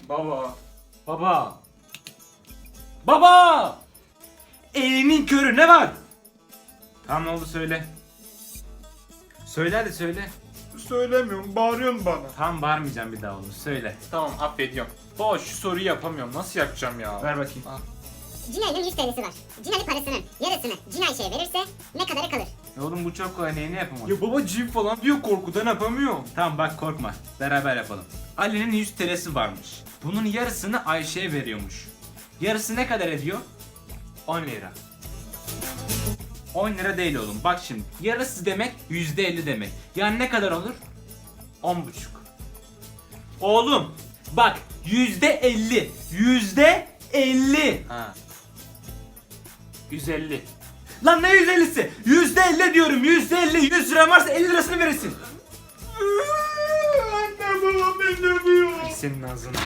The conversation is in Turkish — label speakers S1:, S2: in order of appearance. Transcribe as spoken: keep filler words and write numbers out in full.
S1: Baba. Baba. Baba! Elinin körü ne var? Tamam oldu söyle. Söyle hadi söyle.
S2: Söylemiyorum, bağırıyorsun bana.
S1: Tamam bağırmayacağım bir daha oğlum söyle.
S2: Tamam, affediyorum. Baba şu soruyu yapamıyorum. Nasıl yapacağım ya?
S1: Ver bakayım.
S3: Cinay'ın yüz T L'si var. Cinay parasının yarısını Cinay şeye verirse ne kadarı kalır?
S1: E oğlum bu çok kolay neyini yapamam.
S2: Ya baba cin falan diyor, korkudan yapamıyorum.
S1: Tamam bak korkma. Beraber yapalım. Ali'nin yüz T L'si varmış. Bunun yarısını Ayşe'ye veriyormuş. Yarısı ne kadar ediyor? on lira. on lira değil oğlum. Bak şimdi. Yarısı demek yüzde elli demek. Yani ne kadar olur? on buçuk. Oğlum bak yüzde elli. Yüzde elli.
S2: Ha. yüz elli.
S1: Lan ne yüz ellisi? Yüzde elli diyorum. Yüzde elli. Yüz lira varsa elli lirasını verirsin.
S2: Anne babam ben dövüyor.
S1: Senin ağzına.